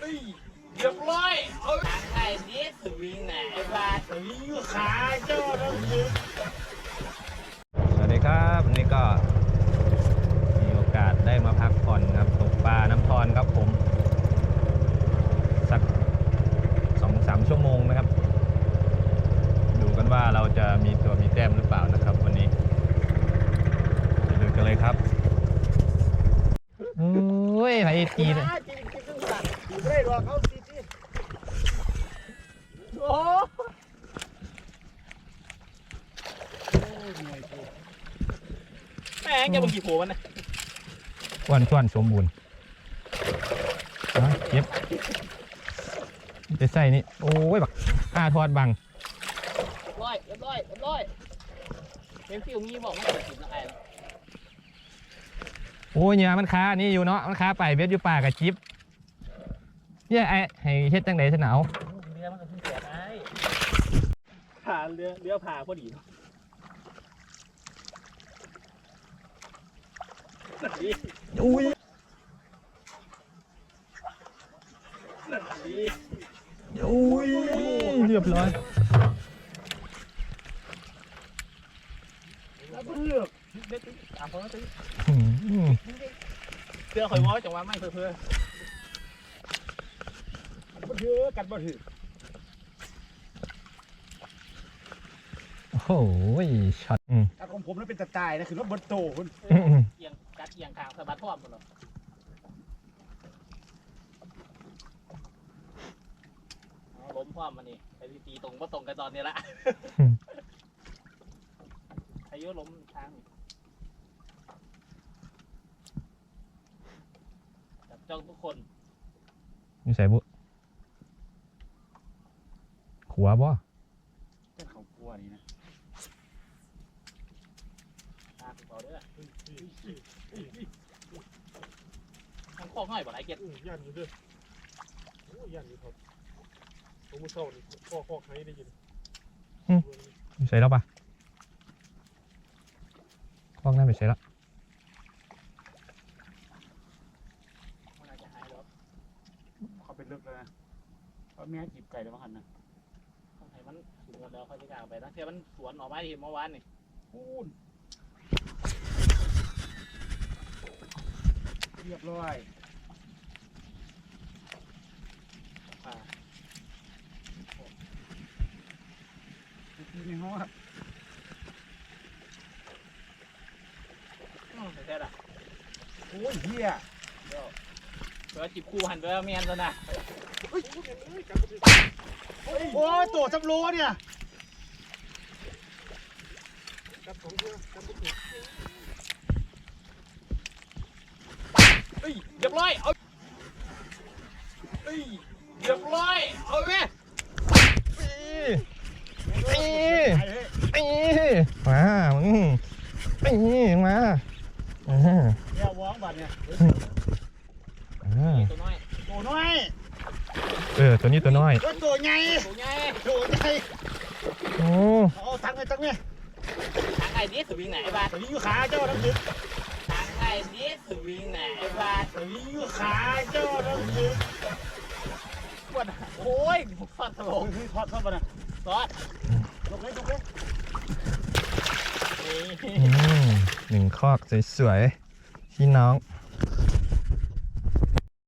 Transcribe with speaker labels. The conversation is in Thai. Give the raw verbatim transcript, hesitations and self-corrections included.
Speaker 1: ยเรียบร้อยเอาไอ้นี่สวิงไหนบาสวิงขาเจ้าทั้งคืน
Speaker 2: สวัสดีครับวันนี้ก็มีโอกาสได้มาพักผ่อนครับตกปลาน้ำทอนครับผมสักสองสามชั่วโมงนะครับดูกันว่าเราจะมีตัวมีแต้มหรือเปล่านะครับวันนี้ไปดูกันเลยครับโอ้ยไอ้ตีเลย
Speaker 1: ไม่ได้หรอกเขาตีตีโอ้แม่งจะมากี่โผล่มันนะ
Speaker 2: อ้วนท้วนสมบูรณ์เย็บจะใส่นี่โอ้ยบักอาทอดบัง
Speaker 1: ร้อยเรียบร้อยเรียบร้อยเป็นฟิวงี้บอกว่าจะกินอะไร
Speaker 2: โอ้ยเนี่ยมันค้านี่อยู่เนาะมันค้าไปเบ็ดอยู่ป่ากับจิ๊บเนี่ยไอ้ให้เฮ็ดจังได๋ซะหนาว
Speaker 1: เรือมันก็เพิ่งแก่ได้ผ่าเรือเรือผ่าพอดี
Speaker 2: อุ้ยอุ้ยเรียบร้อย
Speaker 1: ตามเขาแล้วตื้อเสื้อข่อยม้อจังหวะไม่เพื่อเพื่อบ่ถือกันบ่ถือ
Speaker 2: โอ้โหช็อต
Speaker 1: การของผมนั้นเป็นตะตายนะคือรถบนโตคุณเอียงกัดเอียงขางสะบัดพร้อมหมดเลยล้มพร้อมมานี่ไปตีตรงก็ตรงกันตอนนี้ละอายุล้มทางจับจ้องทุกคน
Speaker 2: นี่ใส่บุขัวบ่
Speaker 1: เป็นเขากลัวนี่นะตาเขาเด้อทางคอกง่อยบ่ไรเก็ต
Speaker 3: ยันอยู่ด้วยโอ้ยันอยู่ครับผมมือเศร้านี่คอกคอกไหนได้ยิน
Speaker 2: นี่ใส่แล้วปะคอกนั่นไปใส่แล้ว
Speaker 1: เขาเป็นลึกเลยนะเขาแม่จีบไก่แล้วมั้งหันนะไอ้มันถึงกันแล้วเขาจะกางไปนะเทียมันสวนออกมาที่เมื่อวานนี่พูนเรียบร้อยอ่าทีในห้องครับอ๋อแค่ละโอ้ยเฮียเดี๋ยวเดี๋ยวจีบคู่หันไปแล้วเมียนซะนะโอ้ยตัวจับโลเนี่ยจับของเพื่อจับบุกเฮ้ยเรียบร้อยเอาเฮ้ยเรียบร้อยเอาไหม
Speaker 2: ตีตีมามึงตีมา
Speaker 1: เนี่ยวางบัตรเนี่ยตัวน้อยตัวน้อย
Speaker 2: เออตัวนี้ตัวน้อย
Speaker 1: ตัวใหญ่ตัวใหญ่ตัวใหญ่
Speaker 2: โอ้
Speaker 1: เอาทั้งเลยทั้งเนี่ยทางไอ้นี่สวิงไหนบ้าสวิงขาเจ้าทั้งคืนทางไอ้นี่สวิงไหนบ้าสวิงขาเจ้าทั้งคืนปวดโอ้ยฟาดตลงทอดเข้าไปนะทอดลงเลยลงเลย
Speaker 2: หนึ่งคอกสวยๆพี่น้อง